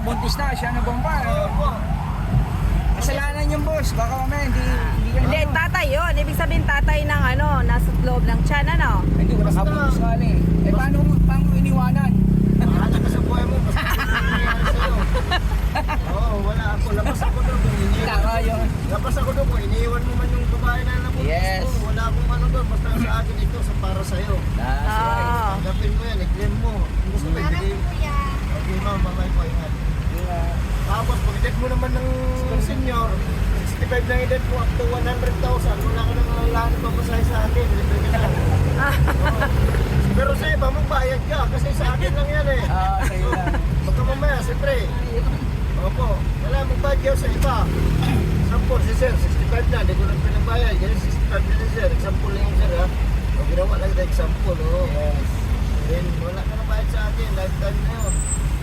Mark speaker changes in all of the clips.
Speaker 1: buntis na, siya na bomba. Kasalanan yung boss, baka mamaya hindi ka
Speaker 2: Hindi, tatay yun. Ibig sabihin tatay ng ano, nasa loob ng tiyan, ano?
Speaker 1: Hindi ko nakabuntis ka eh. Paano iniwanan?
Speaker 3: Mahala ka sa buhay mo. Basta nangyayari sa'yo. Oo, wala ako. Labas ako doon kung iniwan.
Speaker 1: Tama yun.
Speaker 3: Labas ako doon kung iniwan mo man yung babae na nabuntis
Speaker 1: Yes.
Speaker 3: ko. Wala akong ano doon. Basta sa akin ito sa para sa'yo.
Speaker 1: That's right.
Speaker 2: Oo.
Speaker 3: Tanggapin mo yan. I-claim mo. Kung gusto mo ibigay. Okay ma'am, mamay ko ingat. Tapos pag-edad mo naman ng senior, 65 na edad mo up to 100,000. Wala ka nang lahat pa masahe sa akin. Libre ka na. Oo. Pero sa iba, magbayad ka. Kasi sa akin lang yan eh.
Speaker 1: Sa'yo lang.
Speaker 3: Baka mamaya, siyempre. Opo, wala magbayad kayo sa iba. Example, si sir, 65 na, hindi ko lang pinabayad. Ganyan, 65 na si sir. Example lang yung sir ha. O ginawa lang na example, o.
Speaker 1: Yes.
Speaker 3: Then, wala ka na bayad sa akin. Lifetime na yun.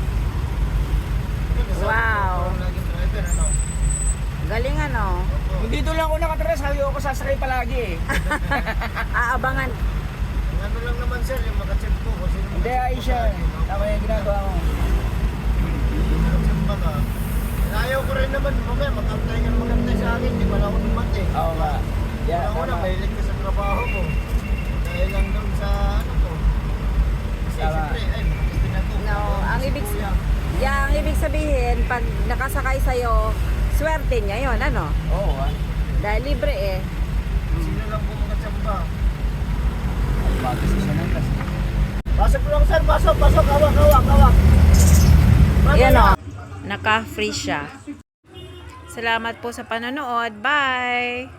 Speaker 2: Wow.
Speaker 3: Laging driver, ano?
Speaker 2: Galing ano.
Speaker 3: Opo.
Speaker 1: Kung dito lang ako nakatira, sabi ko sasakay palagi eh.
Speaker 2: Aabangan.
Speaker 3: Ang ano lang naman sir, yung makacheck po. Kung sino
Speaker 1: Hindi,
Speaker 3: makacheck po
Speaker 1: Aisha.
Speaker 3: sa akin, no?
Speaker 1: Tama yung ginagawa mo.
Speaker 3: Makacheck pa ka. Ayaw ko rin naman, mamaya magantay sa akin. Di wala ako dumating.
Speaker 1: Oo nga. Yeah,
Speaker 3: Una,
Speaker 1: tama.
Speaker 3: mahilig ka sa trabaho mo. Dahil lang doon sa ano ko. Kasi
Speaker 1: Tama.
Speaker 3: siyempre, ay, pinatuto.
Speaker 2: No, ang ibig sabihin, pag nakasakay sa'yo, swerte niya yun, ano?
Speaker 1: Oo ah.
Speaker 2: Dahil libre eh.
Speaker 3: Sino lang po mga tsamba.
Speaker 1: Ang bagas na siya ng kasi.
Speaker 3: Pasok lang sir, pasok, hawak.
Speaker 2: Yan o. Naka-free siya. Salamat po sa panonood. Bye!